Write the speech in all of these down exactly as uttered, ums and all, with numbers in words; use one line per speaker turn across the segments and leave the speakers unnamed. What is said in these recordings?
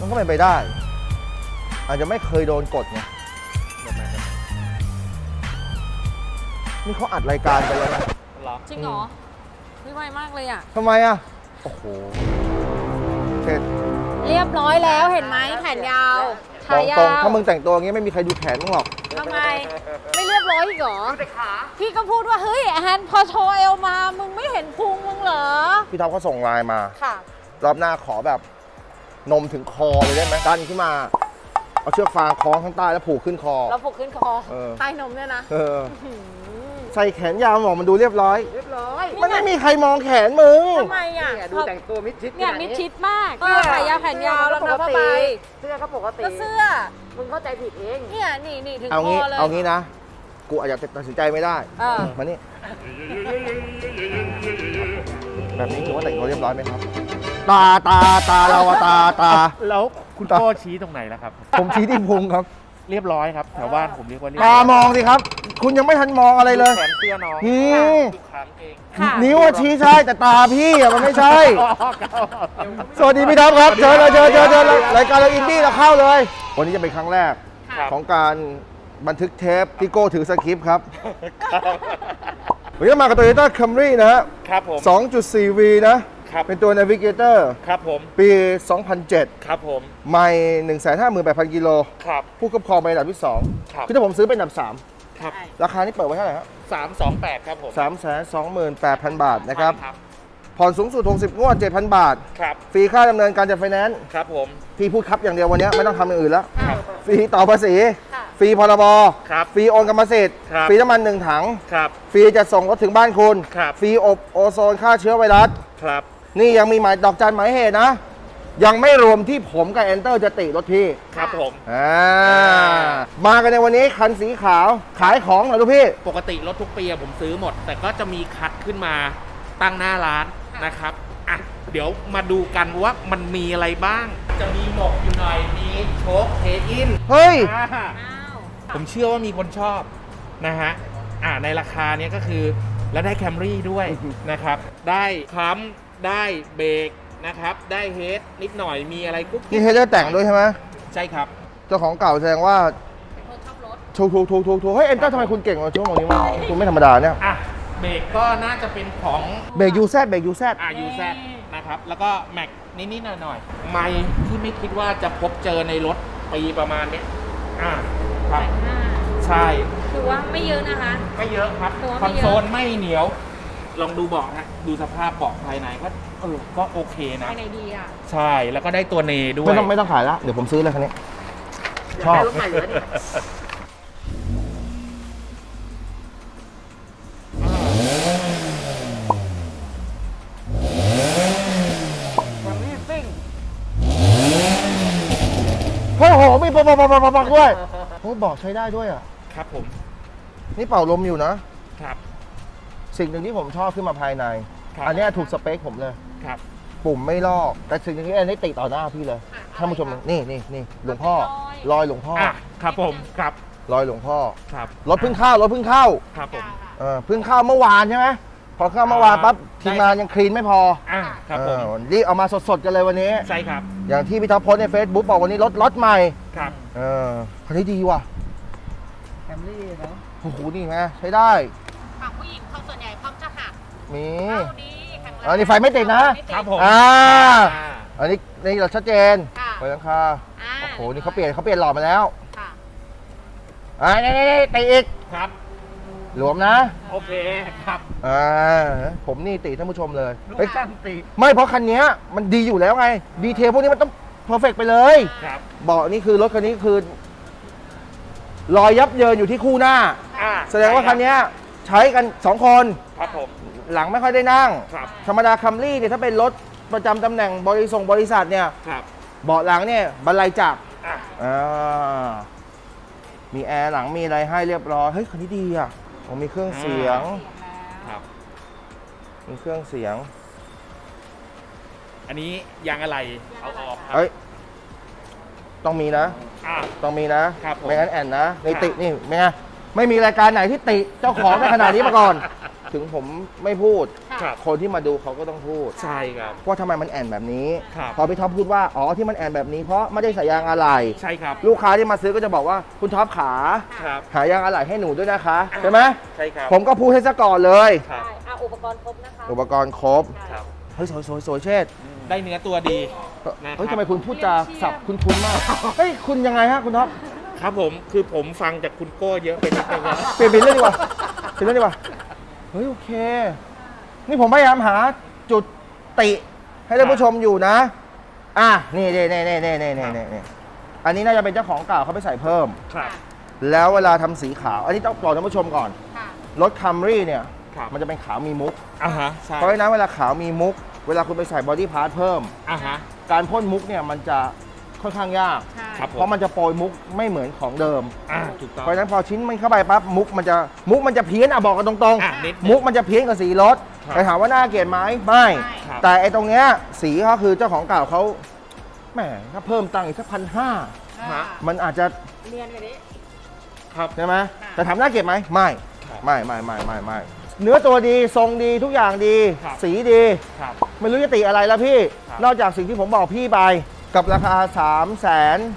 มันก็เป็นไปได้ อาจจะไม่เคยโดนกดไงนี่เขาอัดรายการไปแล้วนะ
จริงเหรอไม่ไวมากเลยอ่ะ
ทำไมอ่ะ โอ้โหเสร็จ
เรียบร้อยแล้วเห็นไหมแขนยาว
บ
ขา
อก
ยา
ตรง
ว
ถ้ามึงแต่งตัวอย่างงี้ไม่มีใครดูแขนมึงหรอก
ทำไม ไม่เรียบร้อยอีกเหรอพี่ก็พูดว่าเฮ้ยแอนพอโชว์เอวมามึงไม่เห็นพุงมึงเหรอ
พี่ท็อปเขาส่งไลน์มา
ค่ะ
รอบหน้าขอแบบนมถึงคอเลยได้ไหมดันขึ้นมา เอาเชือกฟางคล้องข้างใต้แล้วผูกขึ้นคอ
เราผูกขึ้นคอ
เออ
ใต้นมเนี่ยนะ
เออ ใส่แขนยาวบอกมันดูเรียบร้อย
เรียบร้อย
มันไม่มีใครมองแขนมึง
ทำไมอ่ะ
เนี่ยดูแต่งตัวมิดชิด
เนี่ย
ขนา
มิด
นี้
ชิดมากเสื้อขายาวแขนยาวรองเท้าผ้าใบ
เสื้อก็ปกติ
ก็เสื้อ
มึงเข้าใจผิดเอง
เนี่ยนี่นี่ถึง
เอา
ค
งี้
อเลย
เอางี้นะ กูอาจจะตัดสินใจไม่ได้
เออ
มานี่ แบบนี้ถือว่าแต่งตัวเรียบร้อยไหมครับ ตาตาตาเราอะตาตา
แล้วคุณพ่อชี้ตรงไหนล่ะครับ
ผมชี้ที่พุงครับ
เรียบร้อยครับแถวบ้านผมเรียกว่าเรียบ
ตามองสิครับ คุณยังไม่ทันมองอะไรเลย
แขนเสื้อน้อง
อืม
ทุกครั้งเอง
ค่ะ
นิ้วอะชี้ใช่แต่ตาพี่อะมันไม่ใช่
อ๋อครับ
สวัสดีพี่ท็อปครับเชิญเลยเชิญเชิญเชิญเลยรายการเราอินดี้เราเข้าเลย วันนี้จะเป็นครั้งแรก
ครับ
ของการบันทึกเทปที่โก้ถือสคริปต์ครับวันนี้มากับ Toyota Camry นะฮะ
ครับผม
สองจุดสี่ วี นะ
ครับ
เป็นตัว Navigator
ครับผม
ปี สองพันเจ็ด
ครับผม
ไม่ หนึ่งแสนห้าหมื่นแปดพัน กิโล
ครับ
ผู้ครอบครองเป็นอันดับที่สอง
ครับ
คือถ้าผมซื้อเป็นอันดับสาม
ครับ
ราคานี้เปิดไว้เท่าไหร่ครับ
สามสองแปดครับผม
สามแสนสองหมื่นแปดพัน บาทนะครับ
ครับ
ผ่อนสูงสุดหกสิบงวด เจ็ดพัน บาท
ครับ
ฟรีค่าดำเนินการจัดไฟแนนซ์
ครับผม
พี่พูดครับอย่างเดียววันนี้ไม่ต้องทำอย่างอื่นแล้ว
ครับ
ฟรีต่อภาษี
ค่ะ
ฟรีพรบ
ครับ
ฟรีโอนกรรมสิทธิ์
ครับ
ฟรีน้ำมันหนึ่งถัง
ครับ
ฟรีจะส่งรถถึงบ้านคุณ
ครับ
ฟรีอบโอโซนฆ่าเชื้อไวรัส
ครับ
นี่ยังมีหมายดอกจันหมายเหตุนะ ยังไม่รวมที่ผมกับแอนเตอร์จะติรถพี่
ครับผม
อ่ามากันในวันนี้คันสีขาวขายของเหรอลูกพี่
ปกติรถทุกปีอะผมซื้อหมด แต่ก็จะมีคัดขึ้นมาตั้งหน้าร้านนะครับอ่ะเดี๋ยวมาดูกันว่ามันมีอะไรบ้าง จะมีหมกอยู่หน่อยมีโชคเทอิน
เฮ้ย
อ่า
อ้าว
ผมเชื่อว่ามีคนชอบนะฮะ อ่าในราคาเนี้ยก็คือ แล้วได้แคมรี่ด้วยนะครับ ได้คัมได้เบรกนะครับ ได้เฮดนิดหน่อยมีอะไรกุ๊ก
นี่เฮดเดอร์แต่งด้วยใช่ไหม
ใช่ครับ
เจ้าของเก่าแสดงว่า
เป็นคนชอบรถ
ถูกถูกถูกถูกถูกเฮ้ยแอนเตอร์ทำไมคุณเก่งกว่าช่วงนี้วะคุณไม่ธรรมดาเนี่ย
อ่ะ เบรกก็น่าจะเป็นของ
เบรกยูแซดเบรกยูแซด
อายูแซนะครับ แล้วก็แม็กนิดๆหน่อยๆไม่ที่ไม่คิดว่าจะพบเจอในรถปีประมาณเนี้ยอ่าครับ
ห้า
ใช่
คือว่าไม่เยอะนะคะ
ไม่เยอะครับ
ตัวไม่
คอน
เยอะ
โซลไม่เหนียว ลองดูเบาะนะดูสภาพเบาะภายในก็เออก็โอเคนะ
ภายในดีอ่ะ
ใช่แล้วก็ได้ตัวเนด้วย
ไม่ต้องไม่ต้องขายละเดี๋ยวผมซื้อเลยคันนี้ ชอบ
ได้รถใหม่เลยเนี่ย
มันนี่ซิ่ง
โอ้โหมีปักปักปักปักปักด้วยโอ้บอกใช้ได้ด้วยอ่ะ
ครับผม
นี่เป่าลมอยู่นะ
ครับ
สิ่งหนึ่งที่ผมชอบขึ้นมาภายใน
ครับ
อันเนี้ยถูกสเปคผมเลย
ครับ
ปุ่มไม่ลอก แต่สิ่งหนึ่งที่อันนี้ติต่อหน้าพี่เลยท่านผู้ชมนี่นี่นี่หลวงพ่อรอยหลวงพ่อ
อ่ะครับผมครับ
รอยหลวงพ่อ
ครับ
รถเพิ่งเข้ารถเพิ่งเข้า
ครับผม
เออเพิ่งเข้าเมื่อวานใช่ไหมพอเข้าเมื่อวานปั๊บทีมงานยังคลีนไม่พอ
อ่ะครับผม
เออรีบเอามาสดๆกันเลยวันนี้
ใช่ครับ
อย่างที่พี่ท็อปโพสต์ใน Facebook บอกวันนี้รถรถใหม่
ครับ
เออคันนี้ดีว่ะ
แคมรี่เนาะ
โอ้โหนี่ไงใช้ได้
ฝั่งผู้หญิงเขาส่วนใหญ่พร้อมจะหัก
มี
เข้าดีแข็งแรง
อันนี้ไฟไม่ติดนะ
ไม่ติด
ครับผม
อ่า
อ่า
อันนี้นี่เราชัดเจน
ค่ะ
ไฟหลังคา
อ่า
โอ้โหนี่เขาเปลี่ยนเขาเปลี่ยนหลอดมาแล้ว
ค่ะ
อ่านี่นี่นี่ติอีก
ครับ
หลวมนะ
โอเคครับ
อ่าผมนี่ติท่านผู้ชมเลย
ลูก
เฮ้ย
ช่างตี
ไม่เพราะคันเนี้ยมันดีอยู่แล้วไงดีเทลพวกนี้มันต้องเพอร์เฟกไปเลย
ครับ
เบาะนี่คือรถคันนี้คือรอยยับเยินอยู่ที่คู่หน้า
อ่า
แสดงว่าคันเนี้ยใช้กันสองคน
ครับผม
หลังไม่ค่อยได้นั่ง
ครับ
ธรรมดาคัมรี่เนี่ยถ้าเป็นรถประจำตำแหน่งบริษัทบริษัทเนี่ย
ครับ
เบาะหลังเนี่ยบรรลัยจับ
อ่ะ
อ่ามีแอร์หลังมีอะไรให้เรียบร้อยเฮ้ยคันนี้ดีอ่ะผมมีเครื่องเสียง
ครับ
มีเครื่องเสียง
อันนี้ยางอะไรเอาออกครับ
เฮ้ยต้องมีนะ
อ่ะ
ต้องมีนะครับ
ผม
ไม่งั้นแอนนะใน
ครับ
ตินี่ไม่ไงไม่มีรายการไหนที่ติเจ้าของได้ขนาดนี้มาก่อน ถึงผมไม่พูด
ค่ะ
ครับ
คนที่มาดูเขาก็ต้องพูด
ใช่ครับ
ว่าทำไมมันแอนแบบนี้
ครับ
พอพี่ท็อปพูดว่าอ๋อที่มันแอนแบบนี้เพราะไม่ได้ใส่ยางอะไหล่
ใช่ครับ
ลูกค้าที่มาซื้อก็จะบอกว่าคุณท็อปขา
ครับ
หายางอะไหล่ให้หนูด้วยนะคะใช่ไหม
ใช่ครับ
ผมก็พูดให้ซะก่อนเลย
ครับ
ใช่อ่ะอุปกรณ์ครบนะคะ
อุปกรณ์ครบ
ครับ
เฮ้ยสวยสวยสวยเชษฐ์
ได้เนื้อตัวดีนะครับ
เฮ้ยทำไมคุณพูดจาสับคุณคุณมากเฮ้ยคุณยังไงฮะคุณท็อป
ครับผมคือผมฟังจากคุณโก้เยอะไปนิดนึงนะ
เปลี่ยนเป็นเรื่องดีกว่าเปลี่ยนเรื่องดีกว่าเฮ้ยโอเค นี่ผมพยายามหาจุดติให้ท่านผู้ชมอยู่นะ อ่ะนี่นี่นี่นี่นี่นี่นี่นี่อันนี้น่าจะเป็นเจ้าของเก่าเขาไปใส่เพิ่ม
ครับ
แล้วเวลาทำสีขาว อันนี้ต้องบอกท่านผู้ชมก่อน
ค่ะ
รถคัมรี่เนี่ย
ครับ
มันจะเป็นขาวมีมุก
อ่าฮะใช่
เพราะฉะนั้นเวลาขาวมีมุก เวลาคุณไปใส่บอดี้พาร์ทเพิ่ม
อ่าฮะ
การพ่นมุกเนี่ยมันจะค่อนข้างยาก
ใช่
ครับ
เพราะมันจะโปรยมุกไม่เหมือนของเดิม
อ่าถูกต้อง
เพราะฉะนั้นพอชิ้นมันเข้าไปปั๊บมุกมันจะมุกมันจะเพี้ยนอ่ะบอกกันตรง
อ่ะนิดนึง
มุกมันจะเพี้ยนกับสีรถ
ครับ
แต่ถามว่าน่าเกลียดไหมไม่
ครับ
แต่ไอ้ตรงเนี้ยสีเขาคือเจ้าของเก่าเขาแหมถ้าเพิ่มตังค์อีกสักพันห้า
ฮะ
มันอาจจะ
เรียนกันนี้
ใช่ไหม
ค่ะ
แต่ถามน่าเกลียดไหมไม่
ครับ
ไม่ไม่ไม่ไม่ไม่เนื้อตัวดีทรงดีทุกอย่างดี
ครับ
สีดี
ครับ
ไม่รู้จะติอะไรแล้วพี่
ครับ
นอกจากสิ่งที่ผมบอกพี่ไปกับราคา 3 2 8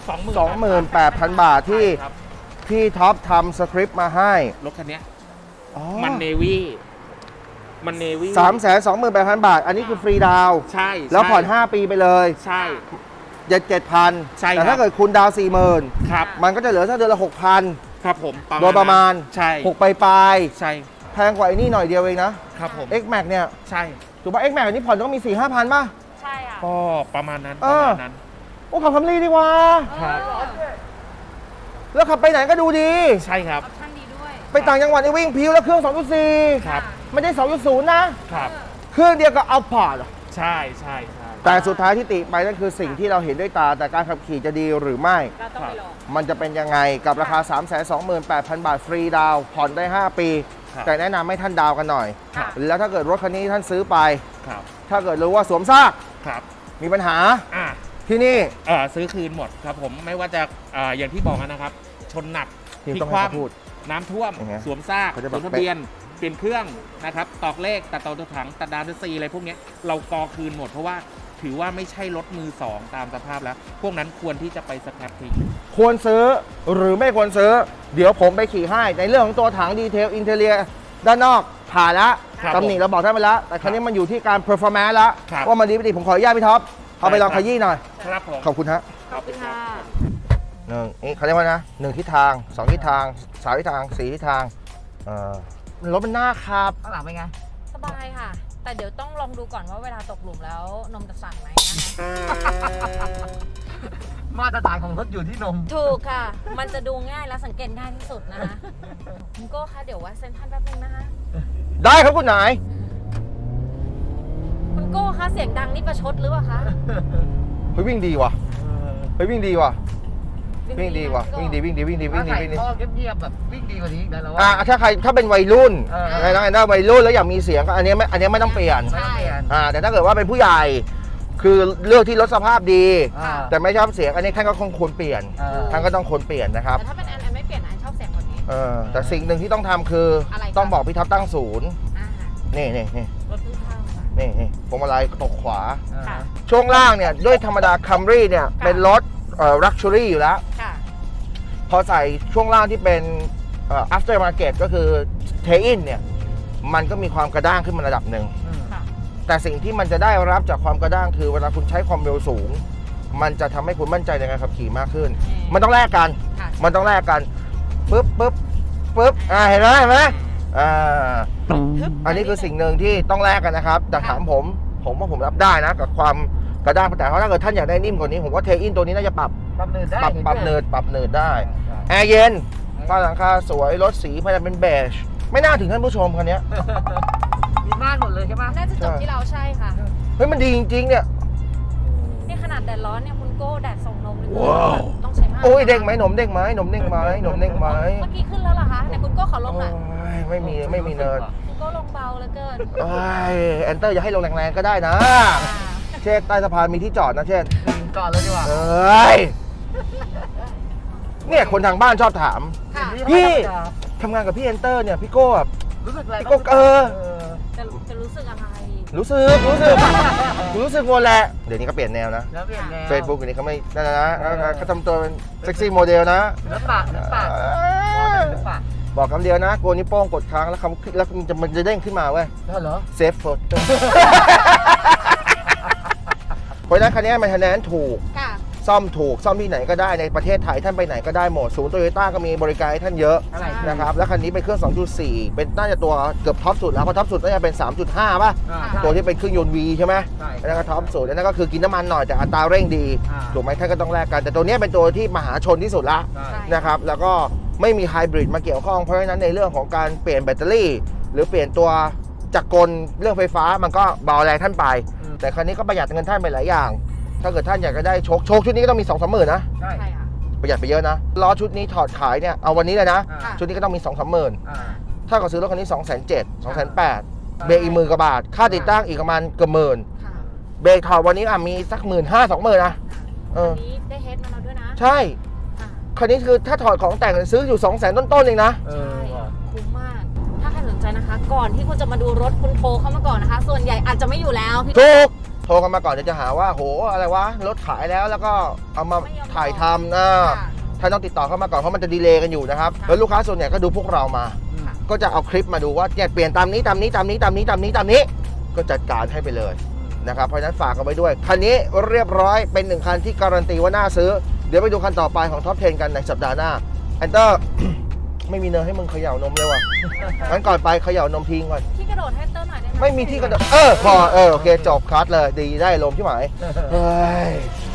0 0 0 บาทที่
ใช่ครับ
พี่ท็อปทำสคริปต์มาให้
รถคันเนี้ย
อ๋อ
มันเนวี่มันเนวี่
สามแสนสองหมื่นแปดพันบาท อันนี้คือฟรีดาวน์
ใช่
แล้วผ่อน
ใช่
ห้า ปีไปเลย
ใช่
เจ็ดเจ็ดพัน
ใช่ครับ
แต่ถ้าเกิดคุณดาวน์สี่หมื่น
ครับ
มันก็จะเหลือสักเดือนละหกพัน
ครับผม
โดยประมาณ
ใช่
หกไปปลาย
ใช่
ๆแพงกว่าไอ้นี่หน่อยเดียวเองนะ
ครับผม
X Max เนี่ย
ใช่
ถูกป่ะ X Max อันนี้ผ่อนต้องมี สี่ห้าพันป่ะ
ใช่ค่ะ
ก็ประมาณนั้น
เอ
ประ
อ
มาณนั้น
โอ้ขับคัมรี่ดีกว่า
ครับ
แล้วขับไปไหนก็ดูดี
ใช่ครับ
ออปชั่นดีด้วย
ไปต่างจังหวัดนี่วิ่งพิวแล้วเครื่อง สองจุดสี่
ครับ
ไม่ได้ สองจุดศูนย์ นะ
ครับ
เครื่องเดียวกับเอาพอร์ต
ใช่ใช่ใช่
แต่สุดท้ายที่ติไปนั่นคือสิ่งที่เราเห็นด้วยตาแต่การขับขี่จะดีหรือไม่
เราต้องไปลอง
มันจะเป็นยังไงกับราคา สามแสนสองหมื่นแปดพัน บาทฟรีดาวน์ผ่อนได้ ห้า ปี
ครับ
แต่แนะนำให้ท่านดาวน์กันหน่อย
ครับ
แล้วถ้าเกิดรถคันนี้ท่านซื้อไป
ครับ
ถ้าเกิดรู้ว่าสวมซาก
ครับ
มีปัญหา
อ่ะ
ที่นี่
เออซื้อคืนหมดครับผมไม่ว่าจะเอ่ออย่างที่บอกนะครับ ชนหนัก
ที่
พลิ
ต้อง
กค
ให้
ว่
เขาพูด
ำน้ำท่วม
อย่างเงี้ย
สวมซาก
เขาจะ
ส
แบบ
วมทะเบียน เปลี่ยนเครื่องนะครับ ตอกเลขตัดต่อตัวถังตัดดาวน์ซีอะไรพวกเนี้ยเรากอคืนหมดเพราะว่าถือว่าไม่ใช่รถมือสองตามสภาพแล้ว พวกนั้นควรที่จะไปสแครปทิ้ง
ควรซื้อหรือไม่ควรซื้อ เดี๋ยวผมไปขี่ให้ในเรื่องของตัวถังดีเทลอินเทเลียด้านนอกผ่านแล้ว
ครับ
ตำหนิเราบอกท่านไปแล้ว แต่ครั้นี้มันอยู่ที่การเพอร์ฟอร์แมนซ์แล้ว
ครับ
ว่ามันดีไม่ดีผมขออนุญาตพี่ท็อปเอาไปลองขยี้หน่อย
ครับผม
ขอบคุณฮะ
ขอบคุณค่ะ
หนึ่งนี่เขาเรียกว่านะหนึ่งทิศทางสองทิศทางสามทิศทางสี่ทิศทางเอ่อรถมันหน้าครับ
ข้างหลังเป็นไง
สบายค่ะ แต่เดี๋ยวต้องลองดูก่อนว่าเวลาตกหลุมแล้วนมจะสั่นไหมนะคะ
มาตรฐานของรถอยู่ที่นม
ถูกค่ะ มันจะดูง่ายและสังเกตง่ายที่สุดนะคะคุณโก้คะเดี๋ยววัดเซนทรันแป๊บนึงนะคะ
ได้ครับคุณนาย
คุณโก้คะเสียงดังนี่ประชดหรือเปล่าคะ
เฮ้ยวิ่งดีว่ะเฮ้ยวิ่งดีว่ะวิ่งดีว่ะ
ไหม
วิ่งดีวิ่งดีวิ่งดีวิ่งดีวิ่งดี
ท่อเงียบๆแบบวิ่งดีกว่านี้อีกได้แล้ว
อ่ะ
ว่า
ถ้าใครถ้าเป็นวัยรุ่น
เออ
ใครต้องการวัยรุ่นแล้วอยากมีเสียงก็อันนี้ไม่อันนี้ไม่ต้องเปลี่ยน
ไม่ต้องเปลี่ยน
อ่าแต่ถ้าเกิดว่าเป็นผู้ใหญ่ คือเลือกที่รถสภาพดี
อ่า
แต่ไม่ชอบเสียงอันนี้ท่านก็คงควรเปลี่ยน
เออ
ท่านก็ต้องควรเปลี่ยนนะครับ
แต่ถ้าเป็นแอนแอนไม่เปลี่ยนนะแอนชอบเสียงคนนี้
เออแต่สิ่งหนึ่งที่ต้องทำคืออะไร
คะ
ต้องบอกพี่ท็อปตั้งศูนย์
อ่า
นี่นี่นี่
รถเพิ่งเข้าค่ะ
นี่นี่พวงมาลัยตกขวา
ค่ะ
ช่วงล่างเนี่ยด้วยธรรมดาคัมรี่เนี่ยเป็นรถเอ่อลักชัวรี่อยู่แล้ว
ค่ะ
พอใส่ช่วงล่างที่เป็นเอ่อ after market ก็คือเทอินเนี่ยมันก็มีความกระด้างขึ้นมาระดับหนึ่ง
อืม
ค่ะ
แต่สิ่งที่มันจะได้รับจากความกระด้างคือเวลาคุณใช้ความเร็วสูง มันจะทำให้คุณมั่นใจในการขับขี่มากขึ้น
อืม
มันต้องแลกกัน
ค่ะ
มันต้องแลกกันปึ๊บปึ๊บปึ๊บอ่าเห็นไหมเห็นไหมอ่าอันนี้คือสิ่งหนึ่งที่ต้องแลกกันนะครับแต่ถามผมผมว่าผมรับได้นะกับความกระด้างแต่ถ้าเกิดท่านอยากได้นิ่มกว่านี้ผมว่าเทอินตัวนี้น่าจะปรับ
ปรับเนินได้
ปรับ
ห็
ปรับ
ด้วย
เนินปรับเนินได้
ใช่
แอร์เย็นฝ้าหลังคาสวยรถสีพยายามเป็นเบจไม่น่าถึงท่านผู้ชมคันเนี้ย
มีม่านหมดเลยใช่ไหม
น่าจะจบที่เราใช่ค่ะ
เฮ้ยมันดีจริงๆเนี่ย
นี่ขนาดแดดร้อนเนี่ยคุณโก้แดดส่งนมเลยต้องใช้มาก
โอ้ยเด้งไหมหนมเด้งไหมหนมเด้งไหมหนมเด้งไหม
เมื่อกี้ขึ้นแล้วเหรอคะไหนคุณโก้ขอลงหน่อย
โอ้ยไม่มีไม่มีเนิน
คุณโก้ลงเบาเหลือเกิน
โอ้ยแอนเตอร์อย่าให้ลงแรงๆก็ได้นะ เช็คใต้สะพานมีที่จอดนะเช่น
จอดเลยดีกว่า
เอ้ยเนี่ยคนทางบ้านชอบถาม
ค่ะ
พี่ ทำงานกับพี่แอนเตอร์เนี่ยพี่โก้แบบ
รู้สึกอะไร
พี่โก้เออ
เออ
จะจะรู้สึกอะไร
รู้สึกรู้สึกรู้สึกหมดแหละเดี๋ยวนี้ก็เปลี่ยนแนวนะ
แล้วเปลี่ยนแนว
เฟซบุ๊กอันนี้เขาไม่นั่นนะนะเขาทำตัวเป็นเซ็กซี่โมเดลนะ
ศิลปะศิลปะศิลปะ
บอกคำเดียวนะโกนนิ้วโป้งกดค้างแล้วคำแล้วมันจะมันจะเด้งขึ้นมาเว้ย
แล้วเหรอ
เซฟโฟโต้ เพราะฉะนั้นคันนี้มันคะแนนถูก
ค่ะ
ซ่อมถูกซ่อมที่ไหนก็ได้ในประเทศไทยท่านไปไหนก็ได้หมดศูนย์โตโยต้าก็มีบริการให้ท่านเยอะ
อะไร
นะครับแล้วคันนี้เป็นเครื่อง สองจุดสี่ เป็นน่าจะตัวเกือบท็อปสุดแล้วเพราะท็อปสุดน่าจะเป็น สามจุดห้า ป่ะ
อ่า
ตัวที่เป็นเครื่องยนต์ V ใช่ไหม
ใช่
อันนั้นก็ท็อปสุดอันนั้นก็คือกินน้ำมันหน่อยแต่อัตราเร่งดี
อ่า
ถูกไหมท่านก็ต้องแลกกัน แต่ตัวเนี้ยเป็นตัวที่มหาชนที่สุดละ
ใช่
นะครับแล้วก็ไม่มีไฮบริดมาเกี่ยวข้องเพราะฉะนั้นในเรื่องของการเปลี่ยนแบตเตอรี่ หรือเปลี่ยนตัวจักรกลเรื่องไฟฟ้ามันก็เบาแรงท่านไป
อืม
แต่คันนี้ก็ประหยัดเงินท่านไปหลายอย่าง ถ้าเกิดท่านอยากจะได้โชคโชคชุดนี้ก็ต้องมี สองสามหมื่นนะ
ใช่
ใช่ค่ะ
ประหยัดไปเยอะนะล้อชุดนี้ถอดขายเนี่ยเอาวันนี้เลยนะ
อ่า
ค่ะ
ชุดนี้ก็ต้องมี สองสามหมื่น
อ่า
ถ้าเกิดซื้อรถคันนี้ สองแสนเจ็ด สองแสนแปด เบรกอีกหมื่นกว่าบาท ค่าติดตั้งอีกประมาณเกือบหมื่น
ค่ะ
เบรกถอดวันนี้อ่ะมีสักหมื่นห้าสองหมื่นนะเออ
วันนี้ได้เฮดมาแล้วด้วยนะ
ใช่
ค่ะ
คันนี้คือถ้าถอดของแต่งซื้ออยู่ สองแสนต้นๆเองนะ
เอ
ใช่
อว่ะ
คุ้มมาก ถ้าใครสนใจนะคะ ก่อนที่คุณจะมาดูรถคุณโทรเข้ามาก่อนนะคะ ส่วนใหญ่อาจจะไม่อยู่แล้วพี่
ถูกโทรกันมาก่อนเดี๋ยวจะหาว่าโหอะไรวะรถขายแล้วแล้วก็เอามาถ่ายทำนะ
ค่ะ
ท่านต้องติดต่อเข้ามาก่อนเพราะมันจะดีเลย์กันอยู่นะครับแล้วลูกค้าส่วนใหญ่ก็ดูพวกเรามา
อืม
ก็จะเอาคลิปมาดูว่าเนี่ยเปลี่ยนตามนี้ตามนี้ตามนี้ตามนี้ตามนี้ตามนี้ ก็จัดการให้ไปเลยนะครับเพราะฉะนั้นฝากกันไว้ด้วย คันนี้เรียบร้อยเป็นหนึ่งคันที่การันตีว่าน่าซื้อ เดี๋ยวไปดูคันต่อไปของท็อปสิบกันในสัปดาห์หน้าแอนเตอร์ ไม่มีเนยให้มึงเขย่านมเลยว่ะงั้นก่อนไปเขย่านมทิ้งก่อน
ที่กระโดดให้เตอร์หน่อยได้ไหม
ไม่มีที่กระโดดเออพอเออโอเคจบคัดเลยดีได้ลมที่หมายเฮ้ย